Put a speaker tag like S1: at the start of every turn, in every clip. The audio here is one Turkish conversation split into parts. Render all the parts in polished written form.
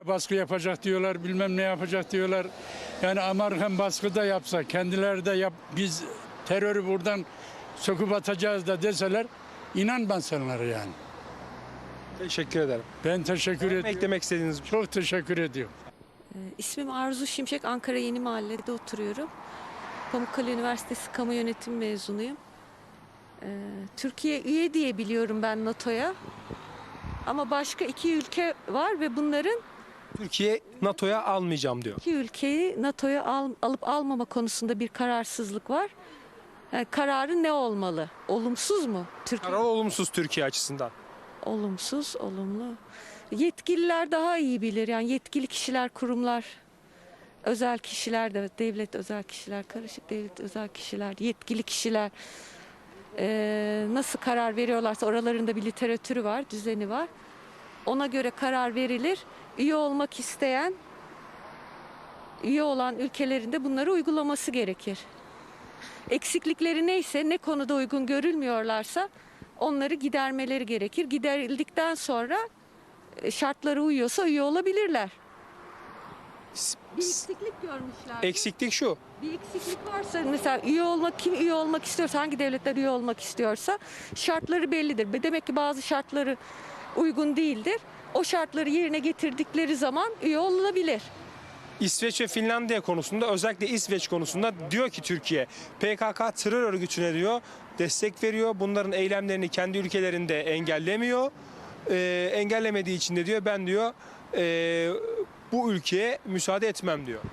S1: Baskı yapacak diyorlar, bilmem ne yapacak diyorlar. Yani Amerikan baskı da yapsa, kendileri de biz terörü buradan söküp atacağız da deseler, inan ben sanırım yani.
S2: Teşekkür ederim.
S1: Ben teşekkür ediyorum.
S2: Eklemek istediğiniz bir şey.
S1: Çok teşekkür ediyorum.
S3: İsmim Arzu Şimşek, Ankara Yeni Mahalle'de oturuyorum. Pamukkale Üniversitesi Kamu Yönetimi mezunuyum. Türkiye üye diye biliyorum ben NATO'ya. Ama başka 2 ülke var ve bunların
S2: Türkiye NATO'ya almayacağım diyor.
S3: 2 ülkeyi NATO'ya alıp almama konusunda bir kararsızlık var. Kararı ne olmalı? Olumsuz mu? Türkiye
S2: Karar olumsuz Türkiye açısından.
S3: olumsuz, olumlu. Yetkililer daha iyi bilir. Yani yetkili kişiler, kurumlar, özel kişiler de, devlet özel kişiler, karışık devlet özel kişiler, yetkili kişiler nasıl karar veriyorlarsa oralarında bir literatürü var, düzeni var. Ona göre karar verilir. Üye olmak isteyen, üye olan ülkelerin de bunları uygulaması gerekir. Eksiklikleri neyse, ne konuda uygun görülmüyorlarsa onları gidermeleri gerekir. Giderildikten sonra şartlara uyuyorsa üye olabilirler. Bir eksiklik görmüşler.
S2: Eksiklik şu.
S3: Bir eksiklik varsa mesela kim üye olmak istiyorsa, hangi devletler üye olmak istiyorsa şartları bellidir. Demek ki bazı şartları uygun değildir. O şartları yerine getirdikleri zaman üye olunabilir.
S2: İsveç ve Finlandiya konusunda, özellikle İsveç konusunda diyor ki Türkiye PKK terör örgütüne diyor destek veriyor. Bunların eylemlerini kendi ülkelerinde engellemiyor. Engellemediği için de diyor ben diyor bu ülkeye müsaade etmem diyor.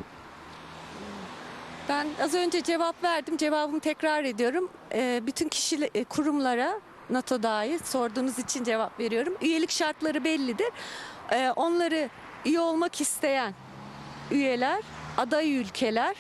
S3: Ben az önce cevap verdim. Cevabımı tekrar ediyorum. Bütün kurumlara, NATO dahil sorduğunuz için cevap veriyorum. Üyelik şartları bellidir. Onları üye olmak isteyen üyeler, aday ülkeler,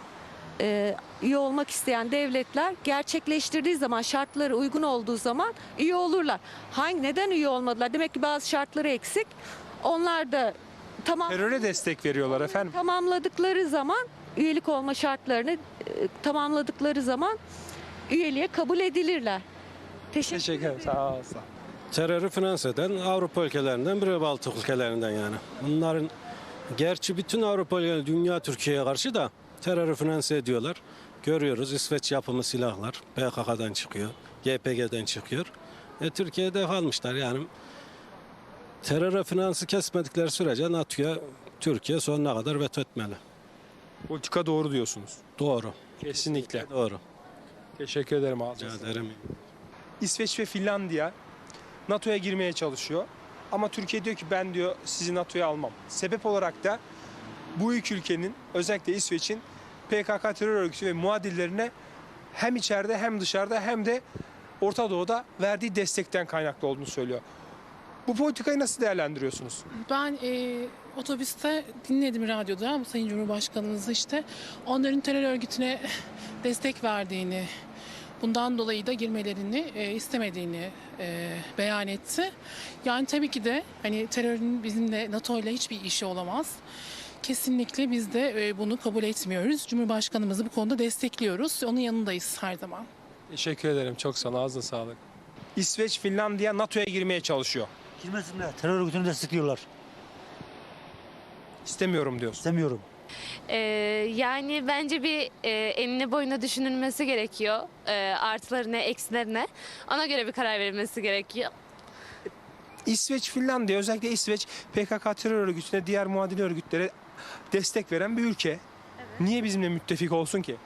S3: üye olmak isteyen devletler gerçekleştirdiği zaman, şartları uygun olduğu zaman üye olurlar. Neden üye olmadılar? Demek ki bazı şartları eksik. Onlar da
S2: Teröre destek veriyorlar efendim.
S3: tamamladıkları zaman, üyelik olma şartlarını tamamladıkları zaman üyeliğe kabul edilirler.
S2: Teşekkür ederim. Sağ ol.
S4: Terörü finanse eden Avrupa ülkelerinden biri, Baltık ülkelerinden yani. Bunların gerçi bütün Avrupa ülkeleri dünya Türkiye'ye karşı da terörü finanse ediyorlar. Görüyoruz İsveç yapımı silahlar PKK'dan çıkıyor, YPG'den çıkıyor. Türkiye'de kalmışlar yani. Teröre finansı kesmedikleri sürece NATO'ya Türkiye sonuna kadar veto etmeli.
S2: Politika doğru diyorsunuz.
S4: Doğru.
S2: Kesinlikle.
S4: Doğru.
S2: Teşekkür ederim abi.
S4: Rica ederim.
S2: İsveç ve Finlandiya NATO'ya girmeye çalışıyor. Ama Türkiye diyor ki ben diyor sizi NATO'ya almam. Sebep olarak da bu iki ülkenin, özellikle İsveç'in PKK terör örgütü ve muadillerine hem içeride hem dışarıda hem de Orta Doğu'da verdiği destekten kaynaklı olduğunu söylüyor. Bu politikayı nasıl değerlendiriyorsunuz?
S5: Ben otobüste dinledim radyoda bu Sayın Cumhurbaşkanımız işte onların terör örgütüne destek verdiğini, bundan dolayı da girmelerini istemediğini beyan etti. Yani tabii ki de hani terörün bizimle NATO ile hiçbir işi olamaz. Kesinlikle biz de bunu kabul etmiyoruz. Cumhurbaşkanımızı bu konuda destekliyoruz. Onun yanındayız her zaman.
S2: Teşekkür ederim. Çok sağ ol. Ağzına sağlık. İsveç, Finlandiya NATO'ya girmeye çalışıyor.
S6: Girmesinler. Terör örgütünü destekliyorlar.
S2: İstemiyorum diyorsun.
S6: İstemiyorum.
S7: Yani bence bir enine boyuna düşünülmesi gerekiyor. Artılarına, eksilerine. Ona göre bir karar verilmesi gerekiyor.
S2: İsveç, Finlandiya, özellikle İsveç PKK terör örgütüne, diğer muadili örgütlere destek veren bir ülke. Niye bizimle müttefik olsun ki?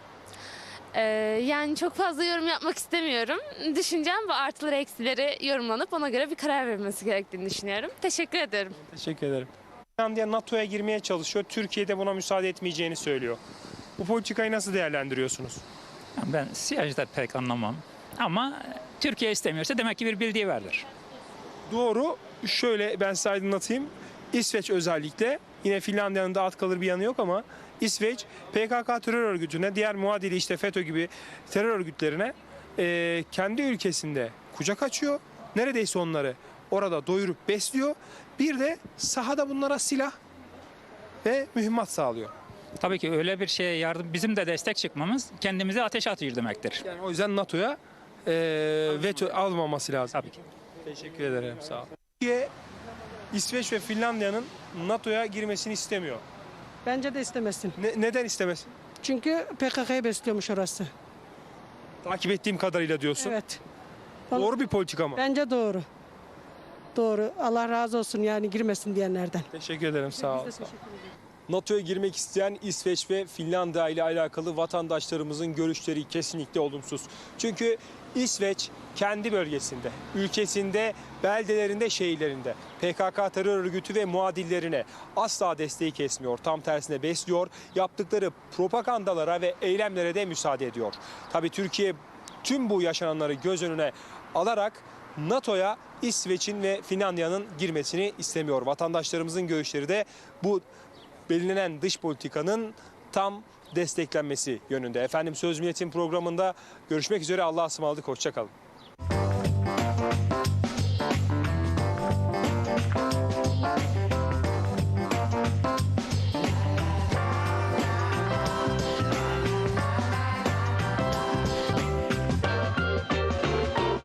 S7: Yani çok fazla yorum yapmak istemiyorum. Düşüncem bu artıları, eksileri yorumlanıp ona göre bir karar verilmesi gerektiğini düşünüyorum. Teşekkür ederim.
S2: Teşekkür ederim. Finlandiya NATO'ya girmeye çalışıyor. Türkiye de buna müsaade etmeyeceğini söylüyor. Bu politikayı nasıl değerlendiriyorsunuz?
S8: Ben siyaseten pek anlamam. Ama Türkiye istemiyorsa demek ki bir bildiği vardır.
S2: Doğru. Şöyle ben size aydınlatayım. İsveç özellikle, yine Finlandiya'nın da at kalır bir yanı yok ama İsveç PKK terör örgütüne, diğer muadili işte FETÖ gibi terör örgütlerine kendi ülkesinde kucak açıyor. Neredeyse onları orada doyurup besliyor. Bir de sahada bunlara silah ve mühimmat sağlıyor.
S8: Tabii ki öyle bir şeye yardım, bizim de destek çıkmamız kendimizi ateşe atıyor demektir.
S2: Yani o yüzden NATO'ya veto almaması lazım.
S8: Tabii ki.
S2: Teşekkür ederim. Sağ ol. Türkiye, İsveç ve Finlandiya'nın NATO'ya girmesini istemiyor.
S9: Bence de istemesin.
S2: Neden istemesin?
S9: Çünkü PKK'yı besliyormuş orası.
S2: Takip ettiğim kadarıyla diyorsun.
S9: Evet.
S2: Doğru bir politika mı?
S9: Bence doğru. Doğru. Allah razı olsun yani girmesin diyenlerden.
S2: Teşekkür ederim, sağ ol.
S9: Biz de teşekkür ederiz.
S2: NATO'ya girmek isteyen İsveç ve Finlandiya ile alakalı vatandaşlarımızın görüşleri kesinlikle olumsuz. Çünkü İsveç kendi bölgesinde, ülkesinde, beldelerinde, şehirlerinde PKK terör örgütü ve muadillerine asla desteği kesmiyor. Tam tersine besliyor. Yaptıkları propagandalara ve eylemlere de müsaade ediyor. Tabii Türkiye tüm bu yaşananları göz önüne alarak NATO'ya İsveç'in ve Finlandiya'nın girmesini istemiyor. Vatandaşlarımızın görüşleri de bu belirlenen dış politikanın tam desteklenmesi yönünde. Efendim Söz Milletin programında görüşmek üzere. Allah'a ısmarladık. Hoşça kalın.